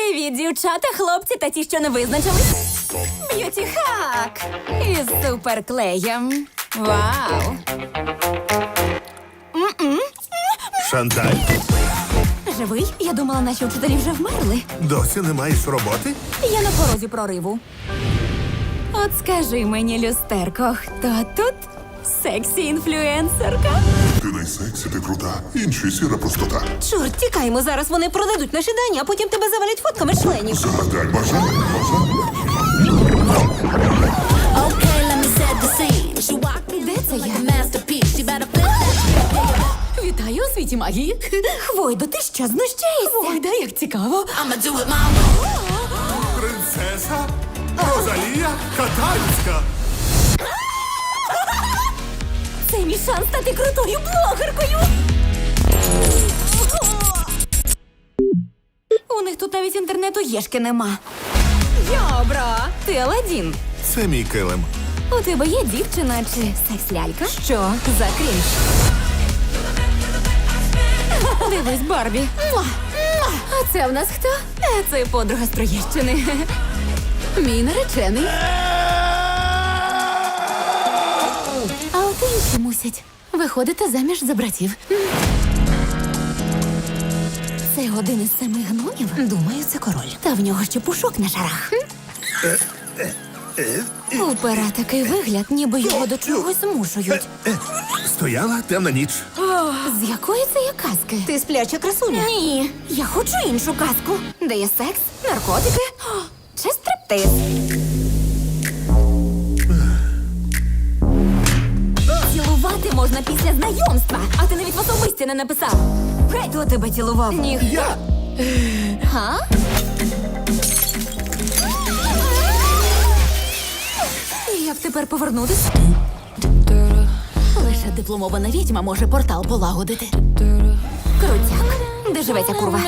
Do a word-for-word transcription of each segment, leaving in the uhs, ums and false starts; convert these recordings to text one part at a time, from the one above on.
Привіт, дівчата, хлопці та ті, що не визначились. Б'юті хак із суперклеєм. Вау! Шанталь, Живий? Я думала, наші вчителі вже вмерли. досі не маєш роботи? Я на порозі прориву. От скажи мені, люстерко, хто тут сексі-інфлюенсерка? Ти найсексі, ти крута. Інші сіра простота. Чорт, тікаймо, зараз вони продадуть наші дані, а потім тебе завалять фотками членів. Загадай бажання, бажання. Okay, let me set the scene. She walked Де це like я? a masterpiece. She better flip that. Вітаю у світі магії. Хвойдо, ти що, знущаєшся? Хвойда, як цікаво. I'ma do it my way. Принцеса Розалія Катальська. Це мій шанс стати крутою блогеркою. У них тут навіть інтернету єшки нема. Йобро, ти Аладдін. Це мій килим. У тебе є дівчина чи секс-лялька? Що за крінж? Дивись, Барбі. Муа! Муа! А це в нас хто? Е, Це подруга з Троєщини. Мій наречений. А от інші мусять виходити заміж за братів. Це один із семи гномів? Думаю, це король. Та в нього ще пушок на шарах. У пера такий вигляд, ніби його до чогось змушують. Стояла темна ніч. З якої це є казки? Ти спляча красуня? Ні, я хочу іншу казку. Де є секс, наркотики о, чи стриптиз. Цілувати можна після знайомства, а ти навіть в особисті не написав. Хто тебе цілував? Ніхто. Я. Га? Як тепер повернутись? Лише дипломована відьма може портал полагодити. Крутяк. Де живе ця курва?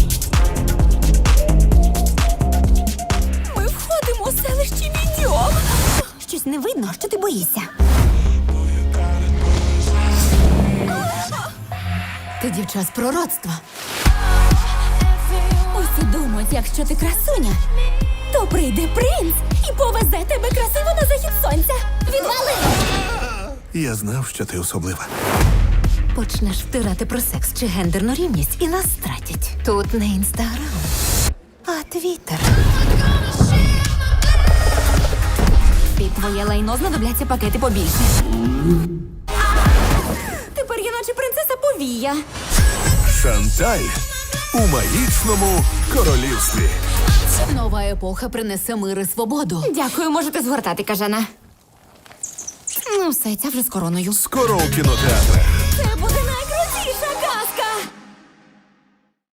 Ми входимо у селище Відьом. Щось не видно, що ти боїшся. Ти дівча з пророцтва. Усі думають, якщо ти красуня, то прийде принц і повезе тебе красиво на захід сонця. Відвали! Я знав, що ти особлива. Почнеш втирати про секс чи гендерну рівність і нас стратять. Тут не інстаграм, а твіттер. Під твоє лайно знадобляться пакети побільше. Тепер я наче принцеса повія. Шанталь у магічному королівстві. Нова епоха принесе мир і свободу. Дякую, можете згортати, кажана. Ну, все, ця вже з короною. Скоро у кінотеатрах.